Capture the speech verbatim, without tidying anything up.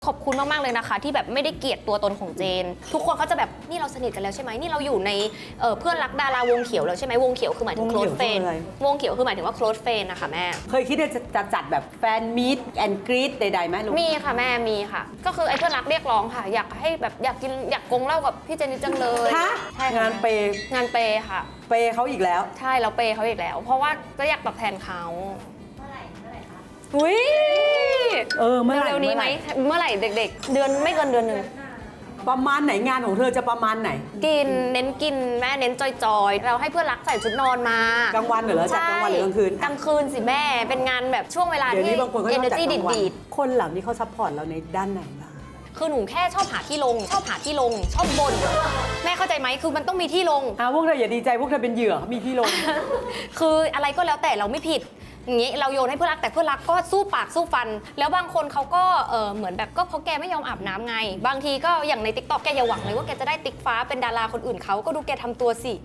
ขอบคุณมากๆเลยนะคะที่แบบไม่ได้เกลียดตัวตนของเจนทุกคนเขาจะแบบนี่เราสนิทกันแล้วใช่ไหมนี่เราอยู่ในเเพื่อนรักดาราวงเขียวแล้วใช่ไหมวงเขียวคือหมายถึง close friend วงเขียวคือหมายถึงว่า close friend นะคะแม่เคยคิดจะจะจัดแบบแฟนมีตแอนด์กรีดใดๆไหมลูกมีค่ะแม่มีค่ะก็คือไอ้เพื่อนรักเรียกร้องค่ะอยากให้แบบอยากกินอยากกงเหล้ากับพี่เจนนี่จังเลยฮะใช่ค่ะงานเปย์งานเปย์ค่ะเปย์เขาอีกแล้วใช่เราเปย์เขาอีกแล้ว เพราะว่าก็อยากตอบแทนเขาอุ้ยเออเมื่อไหร่เร็วๆนี้ไหมเมื่อไหร่เด็กๆ เดือนไม่เกินเดือนหนึ่งประมาณไหนงานของเธอจะประมาณไหนกินเน้นกินแม่เน้นจอยๆ เราให้เพื่อนรักใส่ชุดนอนมากลางวันเหรอจัดกลางวันหรือกลางคืนกลางคืนสิแม่เป็นงานแบบช่วงเวลาเดี๋ยวที่นี้บางคนก็ต้องจัด energy กลางวันดีดคนเหล่านี้เขาซัพพอร์ตเราในด้านไหนบ้างๆคือหนูแค่ชอบหาที่ลง ชอบหาที่ลง ชอบบ่นแม่เข้าใจไหมคือมันต้องมีที่ลงอ่าพวกเธออย่าดีใจพวกเธอเป็นเหยื่อมีที่ลงคืออะไรก็แล้วแต่เราไม่ผิดอย่างนี้เราโยนให้เพื่อนรักแต่เพื่อนรักก็สู้ปากสู้ฟัน แล้วบางคนเขาก็เออเหมือนแบบก็เพราะแกไม่ยอมอาบน้ำไง บางทีก็อย่างในติ๊กต็อกแกอย่าหวังเลยว่าแกจะได้ติ๊กฟ้าเป็นดาราคนอื่นเขาก็ดูแกทำตัวสิ